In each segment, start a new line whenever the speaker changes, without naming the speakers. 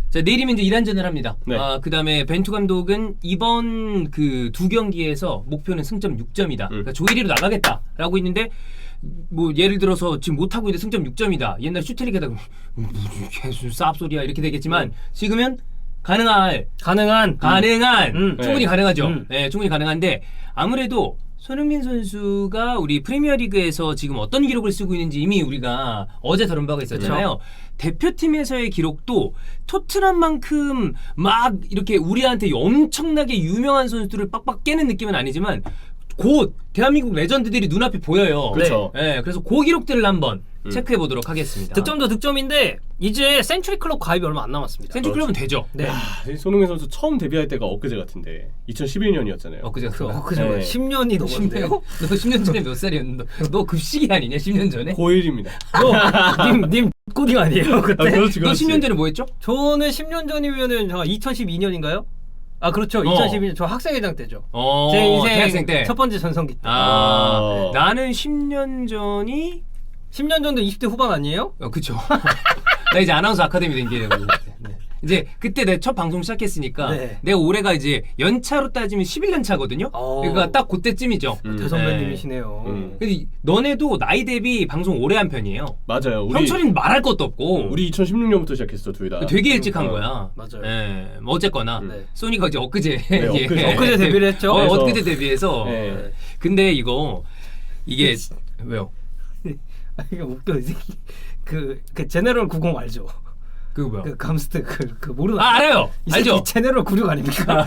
자, 내일이면 이제 1안전을 합니다.
네.
그다음에 벤투 감독은 이번 그 두 경기에서 목표는 승점 6점이다. 그러니까 조 1위로 나가겠다라고 있는데 뭐 예를 들어서 지금 못하고 있는데 승점 6점이다. 옛날에 슈트리게다 무슨 개수 쌉소리야 이렇게 되겠지만 지금은 가능한 충분히 가능하죠. 네, 충분히 가능한데 아무래도 손흥민 선수가 우리 프리미어리그에서 지금 어떤 기록을 쓰고 있는지 이미 우리가 어제 다룬 바가 있었잖아요. 대표팀에서의 기록도 토트넘만큼 막 이렇게 우리한테 엄청나게 유명한 선수들을 빡빡 깨는 느낌은 아니지만 곧 대한민국 레전드들이 눈앞에 보여요.
그렇죠.
네, 그래서 그 기록들을 한번 체크해 보도록 하겠습니다.
득점도 득점인데 이제 센츄리 클럽 가입이 얼마 안 남았습니다.
센츄리 클럽은 되죠.
네.
손흥민 선수 처음 데뷔할 때가 엊그제 같은데 2011년이었잖아요.
엊그제 같은데.
그죠?
네.
10년이 넘었네요.
너 10년 전에 몇 살이었는데? 너 급식이 아니냐? 10년 전에?
고1입니다.
님 꼬딩 아니에요 그때?
그렇지,
너
그렇지.
10년 전에 뭐 했죠?
저는 10년 전이면은 2012년인가요? 아 그렇죠. 2012년 저 학생회장 때죠. 제 인생
대학생 때.
첫 번째 전성기 때.
나는 10년 전이
10년 전도 20대 후반 아니에요?
그쵸. 나 이제 아나운서 아카데미 된 게 네. 이제 그때 내 첫 방송 시작했으니까
네.
내 올해가 이제 연차로 따지면 11년 차거든요. 그러니까 딱 그때쯤이죠.
대선배님이시네요.
근데 너네도 나이 대비 방송 오래 한 편이에요.
맞아요. 우리
형철이는 말할 것도 없고.
우리 2016년부터 시작했어 둘 다.
되게 일찍 한 거야.
맞아요.
예, 뭐 어쨌거나
네.
소니가 이제 엊그제
네,
엊그제 데뷔를 했죠.
엊그제 데뷔해서.
네.
근데 이게 왜요?
이게 웃겨 이 새끼. 그 제네럴 90 알죠?
그거 뭐야?
그 감스트 그 모르나?
알아요.
이 새끼
알죠.
제네럴 96 아닙니까?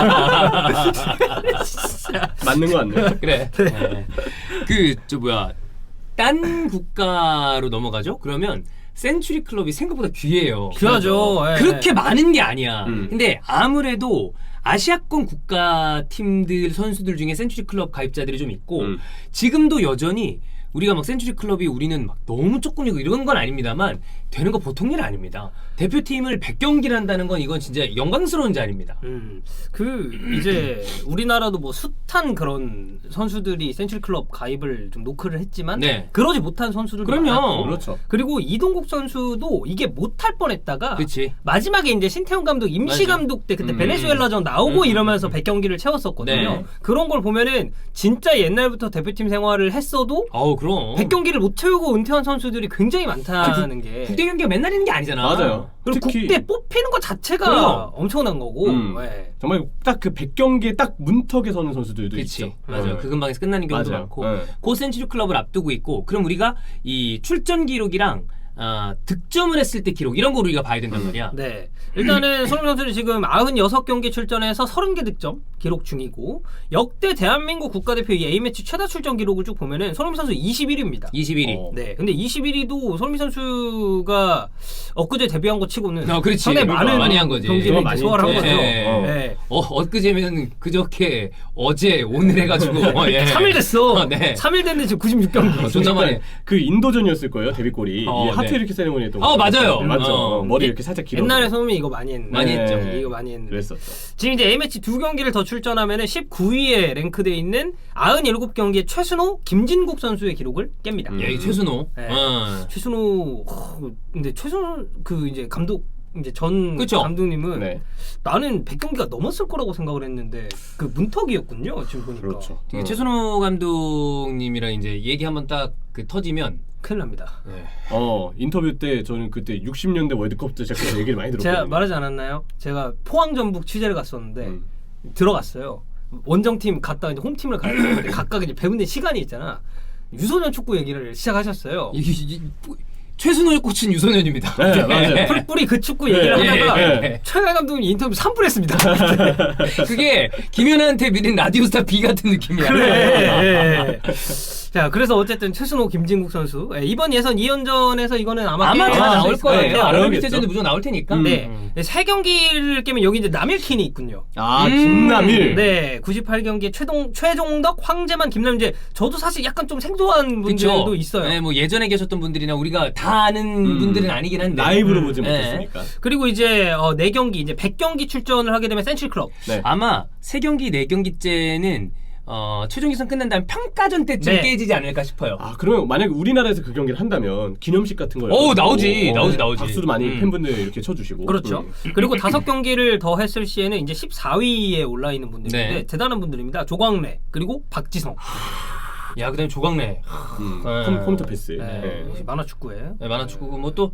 맞는 거 같네.
그래. 네. 저 뭐야? 딴 국가로 넘어가죠? 그러면 센츄리 클럽이 생각보다 귀해요.
귀하죠. 예.
그렇게 많은 게 아니야.
음.
근데 아무래도 아시아권 국가 팀들 선수들 중에 센츄리 클럽 가입자들이 좀 있고 지금도 여전히 우리가 막 센츄리 클럽이 우리는 막 너무 조금이고 이런 건 아닙니다만 되는 거 보통 일 아닙니다. 대표팀을 100경기를 한다는 건 이건 진짜 영광스러운 자리입니다.
이제 우리나라도 뭐 숱한 그런 선수들이 센츄리 클럽 가입을 좀 노크를 했지만
네.
그러지 못한 선수들도
그럼요.
많았고
그렇죠.
그리고 이동국 선수도 이게 못할 뻔했다가
그치.
마지막에 이제 신태용 감독 임시
맞아.
감독 때 그때 베네수엘라전 나오고 이러면서 100경기를 채웠었거든요.
네.
그런 걸 보면은 진짜 옛날부터 대표팀 생활을 했어도
아우 그럼
100경기를 못 채우고 은퇴한 선수들이 굉장히 많다는 게
국대 경기가 맨날 있는 게 아니잖아.
맞아요.
그리고
특히
국대 뽑히는 것 자체가
그럼.
엄청난 거고 네.
정말 딱 그 100경기에 딱 문턱에 서는 선수들도
그치.
있죠.
맞아요. 그 근방에서 끝나는 경우도
맞아요.
많고
네.
고 센츄리 클럽을 앞두고 있고 그럼 우리가 이 출전 기록이랑 득점을 했을 때 기록 이런 거 우리가 봐야 된단 말이야.
네. 일단은 손흥민 선수는 지금 96경기 출전해서 30개 득점 기록 중이고 역대 대한민국 국가대표 이 A매치 최다 출전 기록을 쭉 보면은 손흥민 선수 21위입니다.
21위.
네. 근데 21위도 손흥민 선수가 엊그제 데뷔한 거 치고는
그렇지.
상당히 많은
많이 한 거지.
경기를
많이
소화를 한
했죠.
거죠.
네.
네.
엊그제면 그저께 어제 오늘 해가지고
3일 됐어.
네.
3일 됐는데 지금 96경기.
존나 많이.
그 인도전이었을 거예요 데뷔골이.
네.
하트 이렇게 세레모니 했던
거. 맞아요.
맞죠. 머리 이렇게 살짝 길어.
옛날에 손흥민이 이거 많이 했는데.
많이 했죠.
이거 많이 했는데.
그랬었죠.
지금 이제 A매치 2경기를 더 출전하면은 19위에 랭크되어 있는 97경기의 최순호, 김진국 선수의 기록을 깹니다.
야, 이 최순호.
네. 최순호 근데 최순호 그 이제 감독 이제 전
그쵸?
감독님은
네.
나는 100경기가 넘었을 거라고 생각을 했는데 그 문턱이었군요. 지금 보니까.
그렇죠.
최순호 감독님이랑 이제 얘기 한번 딱 그 터지면
큰일 납니다.
네.
인터뷰 때 저는 그때 60년대 월드컵부터 시작해서 얘기를 많이 들었거든요.
제가 말하지 않았나요? 제가 포항 전북 취재를 갔었는데 들어갔어요. 원정팀 갔다가 이제 홈팀을 가야 되는데 각각 이제 배우는 시간이 있잖아. 유소년 축구 얘기를 시작하셨어요.
최순호의 꽃은 유소년입니다.
네, 맞아요.
풀뿌리 그 축구 얘기를 하다가 최강 감독님 인터뷰 3분 했습니다.
그게 김연아한테 밀린 라디오스타 B 같은 느낌이야.
그래. 자, 그래서 어쨌든 최순호, 김진국 선수 이번 예선 2연전에서 이거는 아마
다 나올 거예요. 아랍
나오겠죠.
대전도 무조건 나올 테니까.
네. 세 경기를 깨면 여기 이제 남일킨이 있군요.
김남일.
네, 98경기에 최종덕, 황재만, 김남일 이제 저도 사실 약간 좀 생소한 분들도
그쵸?
있어요.
네, 뭐 예전에 계셨던 분들이나 우리가 다 아는 분들은 아니긴 한데
라이브로 보지
네.
못했으니까.
그리고 이제 4경기 이제 100경기 출전을 하게 되면 센츄리 클럽.
네.
아마 3경기 4경기째는 최종 예선 끝난 다음 평가전 때쯤
네.
깨지지 않을까 싶어요.
아 그러면 만약에 우리나라에서 그 경기를 한다면 기념식 같은 걸
나오지.
박수도 많이 팬분들 이렇게 쳐주시고
그렇죠. 그리고 5경기를 더 했을 시에는 이제 14위에 올라 있는 분들인데
네.
대단한 분들입니다. 조광래 그리고 박지성.
야 그다음에 조광래.
컴퓨터 패스.
네.
네.
만화축구에.
네, 만화축구고 뭐 또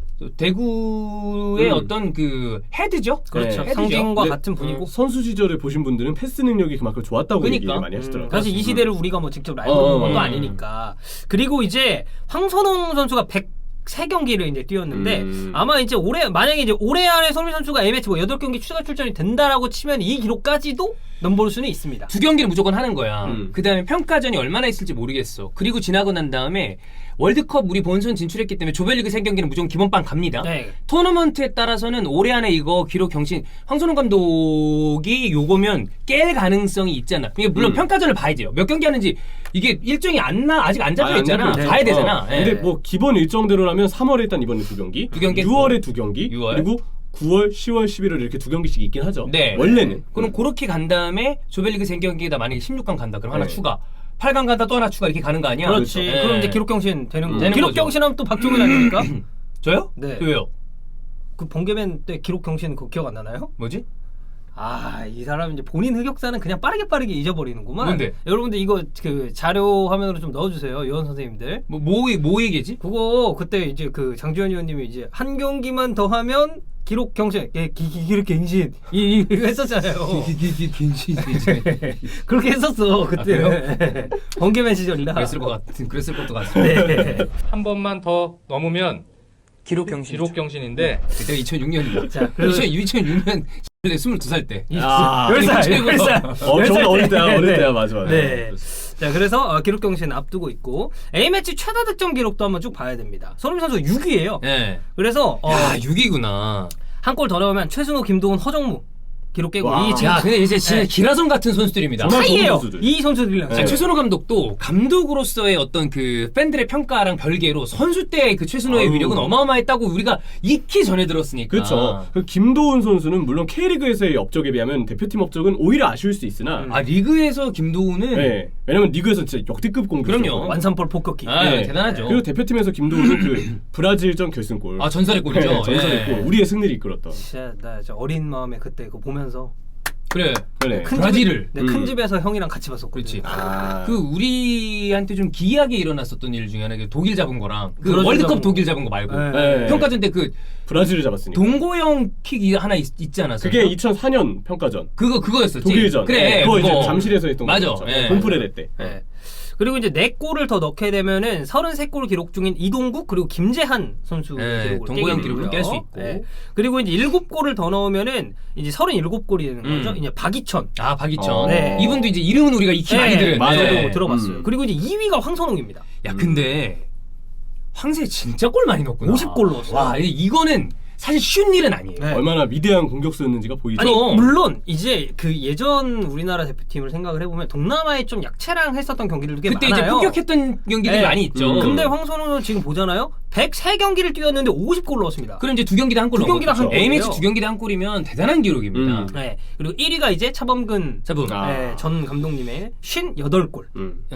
대구의 어떤 그 헤드죠.
그렇죠.
네.
상징과
근데,
같은 분이고.
선수 시절을 보신 분들은 패스 능력이 그만큼 좋았다고
그러니까.
얘기를 많이 하시더라고요.
사실 이 시대를 우리가 뭐 직접 알고 본 것도 아니니까. 그리고 이제 황선홍 선수가 103경기를 이제 뛰었는데 아마 이제 만약에 이제 올해 안에 손흥민 선수가 A매치 뭐 8경기 추가 출전이 된다라고 치면 이 기록까지도 넘볼 수는 있습니다.
2경기를 무조건 하는 거야. 그다음에 평가전이 얼마나 있을지 모르겠어. 그리고 지나고 난 다음에 월드컵 우리 본선 진출했기 때문에 조별리그 3경기는 무조건 기본빵 갑니다.
네.
토너먼트에 따라서는 올해 안에 이거 기록 경신 황선홍 감독이 요거면 깰 가능성이 있잖아. 그러니까 물론 평가전을 봐야 돼요. 몇 경기 하는지 이게 일정이 아직 안 잡혀 있잖아.
잡혀 있죠.
봐야 되잖아. 예.
근데 뭐 기본 일정대로라면 3월에 일단 이번에 2경기,
2경기
6월에 2경기,
6월.
그리고 9월, 10월, 11월 이렇게 2경기씩 있긴 하죠.
네.
원래는.
그럼 그렇게 간 다음에 조별리그 3경기에다 만약에 16강 간다. 그럼 하나
네.
추가. 8강 간다 또 하나 추가 이렇게 가는 거 아니야?
그렇지.
예.
그럼 이제 기록 경신 되는 거고.
되는
기록
거죠.
경신하면 또 박종현 아닙니까?
저요?
네.
왜요?
그 번개맨 때 기록 경신 그거 기억 안 나나요?
뭐지?
이 사람 이제 본인 흑역사는 그냥 빠르게 잊어버리는구만.
뭔데?
여러분들 이거 그 자료 화면으로 좀 넣어주세요, 요원 선생님들.
뭐 얘기지?
그거 그때 이제 그 장주현 의원님이 이제 한 경기만 더 하면 기록 경신, 기록 갱신 이거 했었잖아요. 그렇게 했었어 그때. 번개맨 시절이라.
그랬을 것도 같습니다.
네.
한 번만 더 넘으면
기록 경신.
기록 경신인데
그때가 2006년이다.
자, 그래서
2006년 22살 때.
아,
10살.
저보다 어릴 때야,
네.
어릴 때야, 맞아.
네. 자, 그래서 기록 경신 앞두고 있고 A매치 최다 득점 기록도 한번 쭉 봐야 됩니다. 손흥민 선수 6위예요.
네.
그래서
야 6위구나.
한 골 더 넣으면 최순호, 김도훈, 허정무 기록 깨고
와.
이 지금
야 근데 이제 진짜
네.
기라성 같은 선수들입니다.
정말 좋은
사이예요.
선수들.
이 선수들이랑.
네.
최순호 감독도 감독으로서의 어떤 그 팬들의 평가랑 별개로 선수 때의 그 최순호의
아우.
위력은 어마어마했다고 우리가 익히 전해 들었으니까.
그렇죠. 그 김도훈 선수는 물론 K리그에서의 업적에 비하면 대표팀 업적은 오히려 아쉬울 수 있으나
아 리그에서 김도훈은
네. 왜냐면 리그에서 진짜 역대급 공격수.
그럼요.
완산볼 폭격기.
대단하죠.
그리고 대표팀에서 김도훈은 그 브라질전 결승골.
아 전설의 골이죠.
네, 전설의
예.
골. 우리의 승리를 이끌었던.
진짜 나 진짜 어린 마음에 그때 그거 보면서
그래.
그래.
큰
브라질을.
집에, 큰 집에서 형이랑 같이 봤었거든요.
그렇지.
아.
그 우리한테 좀 기이하게 일어났었던 일 중에 하나가 독일 잡은 거랑 그
브라질
월드컵
잡은
독일 잡은 거 말고
네.
평가전 때 그
브라질을 잡았으니까.
동고형 킥이 하나 있지 않았어요?
그게 2004년 평가전.
그거였었지.
독일전.
그래.
그거 이제 잠실에서 했던
맞아.
거죠.
예.
봄프레레 때.
네. 그리고 이제 4골을 더 넣게 되면은 33골 기록 중인 이동국 그리고 김재한 선수
네,
기록을
동고양
깨게
기록을
되고요.
깰 수 있고.
네. 그리고 이제 7골을 더 넣으면은 이제 37골이 되는 거죠. 이제 박이천.
아 박이천.
네.
이분도 이제 이름은 우리가 익히 많이 들은.
맞아요.
저도 들어봤어요.
음.
그리고 이제 2위가 황선홍입니다.
야 근데 황새 진짜 골 많이 넣었구나.
50골 넣었어요.
와 이거는 사실 쉬운 일은 아니에요.
네.
얼마나 위대한 공격수였는지가 보이죠.
아니
그럼.
물론 이제 그 예전 우리나라 대표팀을 생각을 해보면 동남아에 좀 약체랑 했었던 경기들도 꽤
그때
많아요.
이제 폭격했던 경기들이
네.
많이 있죠.
근데 황선홍은 지금 보잖아요. 103경기를 뛰었는데 50골 넣었습니다.
그럼 이제 2경기당 한 골.
두 경기당 한
A매치
골이에요.
2경기당 한 골이면 대단한 기록입니다.
네. 그리고 1위가 이제 차범근
자분.
네, 전 감독님의 58골.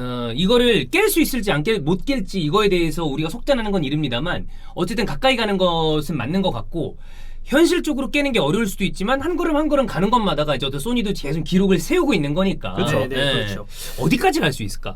이거를 깰 수 있을지 못 깰지 이거에 대해서 우리가 속단하는 건 이릅니다만 어쨌든 가까이 가는 것은 맞는 것 같고 현실적으로 깨는 게 어려울 수도 있지만 한 걸음 가는 것마다가 이제 어떤 소니도 계속 기록을 세우고 있는 거니까.
그렇죠. 네, 그렇죠.
어디까지 갈 수 있을까?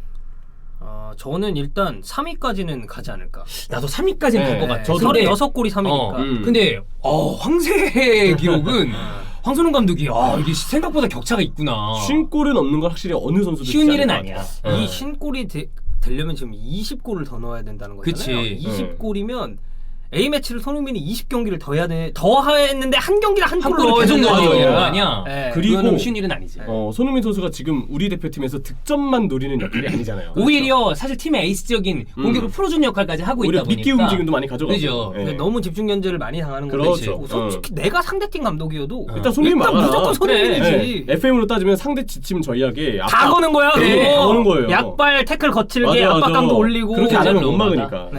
저는 일단 3위까지는 가지 않을까.
나도 3위까지는 갈 것 같아.
저도.
근데
36골이 3위니까.
근데 황새의 기록은 황선홍 감독이 이게 생각보다 격차가 있구나.
50골은 없는 건 확실히 어느 선수도
쉬운
쉽지
일은
않은 것
아니야.
같아요.
이 신골이 되려면 지금 20골을 더 넣어야 된다는 거잖아요.
그치.
20골이면 A매치를 손흥민이 20경기를 더 해야 돼. 더 했는데 한 경기를 한 골로
계속
계속
넣어야
넣어야
되는
돼요.
거 아니야.
네.
그리고
그거는 쉬운 일은 아니지.
손흥민 선수가 지금 우리 대표팀에서 득점만 노리는 역할이 아니잖아요.
오히려 사실 팀의 에이스적인 공격을 풀어주는 역할까지 하고
오히려
있다 보니까
미끼 움직임도 많이 가져가고.
그죠.
예.
너무 집중 견제를 많이 당하는 건데
그렇죠.
솔직히 내가 상대팀 감독이어도
일단 손흥민 막아라.
무조건 손흥민이지.
FM으로 따지면 상대 지침 전략에
다 거는 거야.
네,
그거.
다 거는 거예요.
약발 태클 거칠게
맞아, 맞아.
압박감도 올리고
그렇게 안 하면 못
맞아.
막으니까.
네.
예.
그러니까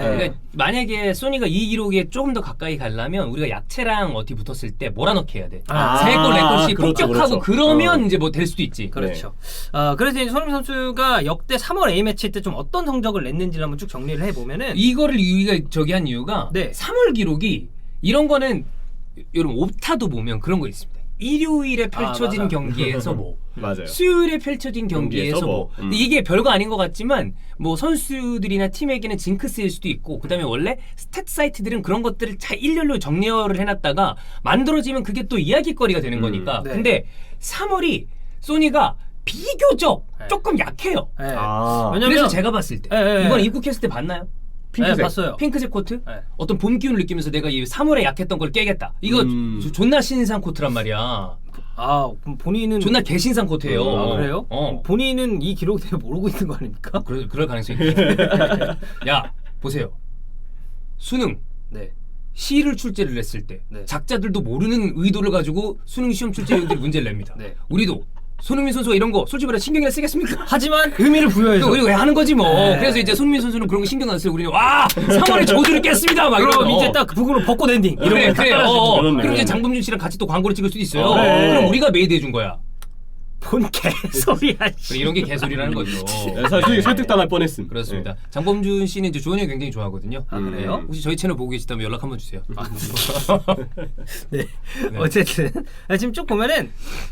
만약에 소니가 이 기록에 조금 더 가까이 가려면 우리가 야채랑 어디 붙었을 때 몰아넣기 해야 돼.
아,
세 골, 네 골씩
그렇죠,
폭격하고
그렇죠.
그러면 이제 뭐 될 수도 있지.
그렇죠. 그래서 이제 손흥민 선수가 역대 3월 A매치 때 좀 어떤 성적을 냈는지를 한번 쭉 정리를 해보면은
이거를 우리가 저기 한 이유가
네.
3월 기록이 이런 거는 여러분 옵타도 보면 그런 거 있습니다. 일요일에 펼쳐진
맞아.
경기에서 뭐
맞아요.
수요일에 펼쳐진 경기에서 뭐 근데 이게 별거 아닌 것 같지만 뭐 선수들이나 팀에게는 징크스일 수도 있고 그다음에 원래 스탯 사이트들은 그런 것들을 잘 일렬로 정리를 해놨다가 만들어지면 그게 또 이야기거리가 되는 거니까
네.
근데 3월이 소니가 비교적
네.
조금 약해요.
네.
아,
왜냐면
그래서 제가 봤을 때
네.
이번 입국했을 때 봤나요?
핑크색.
네, 봤어요.
핑크색 코트?
네.
어떤 봄 기운을 느끼면서 내가 이 3월에 약했던 걸 깨겠다. 이거 존나 신상 코트란 말이야.
그럼 본인은
존나 개신상 코트예요.
그래요? 본인은 이 기록에 대해 모르고 있는 거 아닙니까?
그럴 가능성이 있지. 야, 보세요. 수능
네.
시를 출제를 했을 때
네.
작자들도 모르는 의도를 가지고 수능 시험 출제위원들이 문제를 냅니다.
네.
우리도 손흥민 선수가 이런 거 솔직히 말해 신경이나 쓰겠습니까?
하지만 의미를 부여해서
우리 왜 하는 거지 뭐.
네.
그래서 이제 손흥민 선수는 그런 거 신경 안 쓰고 우리는 와 3월에 저주를 깼습니다. 막
그럼
이러면
이제 딱 북으로 벚꽃 엔딩 이런
그래
거
그래.
그렇네,
그럼 이제
그렇네.
장범준 씨랑 같이 또 광고를 찍을 수도 있어요.
네.
그럼 우리가 메이드 해준 거야.
본 개소리야.
그래, 이런 게 개소리라는 거죠.
네, 사실 설득당할 뻔했음.
그렇습니다. 장범준 씨는 이제 조현이 굉장히 좋아하거든요.
아, 그래요?
혹시 저희 채널 보고 계시다면 연락 한번 주세요.
네. 어쨌든 지금 쭉 보면은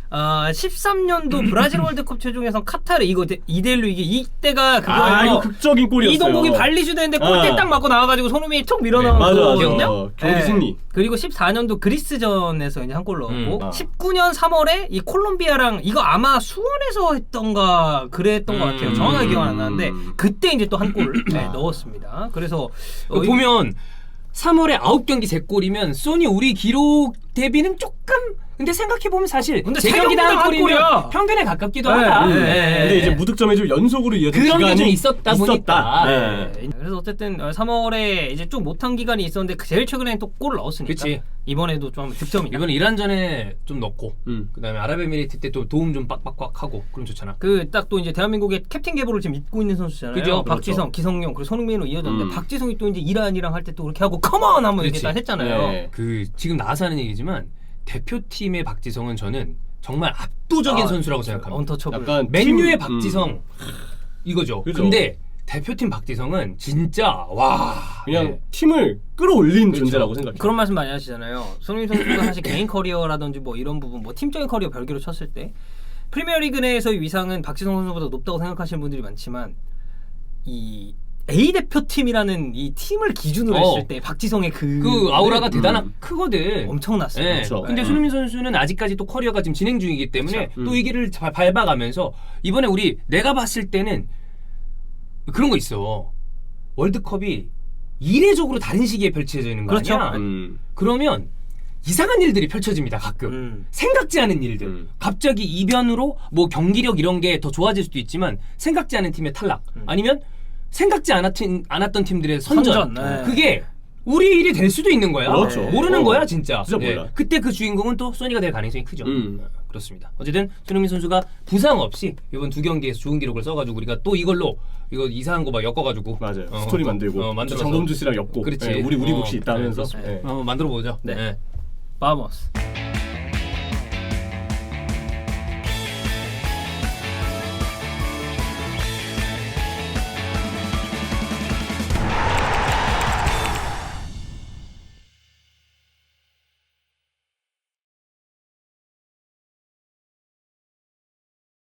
13년도 브라질 월드컵 최종예선 카타르 이거 2대1로 이게 이때가 그거예요.
이거 극적인 골이었어요.
이동국이 발리슛 했는데 골대 딱 맞고 나와가지고 손흥민이 툭 밀어넣은
맞아, 맞아.
거거든요.
경기 승리.
그리고 14년도 그리스전에서 이제 한 골 넣었고 19년 3월에 이 콜롬비아랑 이거 아마 수원에서 했던가 그랬던 것 같아요. 정확하게 기억 안 나는데 그때 이제 또 한 골 넣었습니다. 그래서
보면 3월에 9경기 3골이면 소니 우리 기록 대비는 조금 근데 생각해보면 사실
근데
3경기당 한
한
골이면
골이야.
평균에 가깝기도
네,
하다.
네.
근데 이제 무득점이 좀 연속으로 이어진
그런 게
기간이
좀 있었다 보니까.
네.
그래서 어쨌든 3월에 이제 쭉 못한 기간이 있었는데 제일 최근에는 또 골을 넣었으니까
그치.
이번에도 좀 득점이다.
이번에 이란전에 좀 넣고 그다음에 아랍에미리트 때 또 도움 좀 빡빡빡 하고 그럼 좋잖아.
그 딱 또 이제 대한민국의 캡틴 계보를 지금 잇고 있는 선수잖아요.
그죠?
박지성, 기성용 그리고 손흥민으로 이어졌는데 박지성이 또 이제 이란이랑 할 때 또 그렇게 하고 컴온 한번 이렇게
그치.
딱 했잖아요.
네.
그 지금 나와서 하는 얘기지만 대표팀의 박지성은 저는 정말 압도적인 선수라고 생각합니다.
언터처블.
약간
맨유의
팀,
박지성 이거죠.
그죠.
근데 대표팀 박지성은 진짜 와
그냥
네.
팀을 끌어올린
그렇죠.
존재라고 생각해요.
그런 말씀 많이 하시잖아요. 손흥민 선수가 사실 개인 커리어라든지 뭐 이런 부분, 뭐 팀적인 커리어 별개로 쳤을 때 프리미어리그 내에서의 위상은 박지성 선수보다 높다고 생각하시는 분들이 많지만 이 A 대표팀이라는 이 팀을 기준으로 했을 때 박지성의
그 아우라가 대단한 크거든.
엄청났어요.
네.
그렇죠.
근데
네.
손흥민 선수는 아직까지 또 커리어가 지금 진행 중이기 때문에
그렇죠.
또 이 길을 밟아가면서 이번에 내가 봤을 때는 그런 거 있어. 월드컵이 이례적으로 다른 시기에 펼쳐지는 거
그렇죠.
아니야? 그러면 이상한 일들이 펼쳐집니다. 가끔 생각지 않은 일들. 갑자기 이변으로 뭐 경기력 이런 게 더 좋아질 수도 있지만 생각지 않은 팀의 탈락 아니면 생각지 않았던 팀들의 선전.
네.
그게 우리 일이 될 수도 있는 거야.
그렇죠.
모르는 거야 진짜.
진짜 몰라.
그때 그 주인공은 또 소니가 될 가능성이 크죠. 그렇습니다. 어쨌든 손흥민 선수가 부상 없이 이번 2경기에서 좋은 기록을 써가지고 우리가 또 이거 이상한 거 막 엮어가지고
맞아요. 스토리 만들고
만들어서.
장범준 씨랑 엮고
그렇지.
우리 몫이 있다면서
만들어 보죠.
네. 바모스.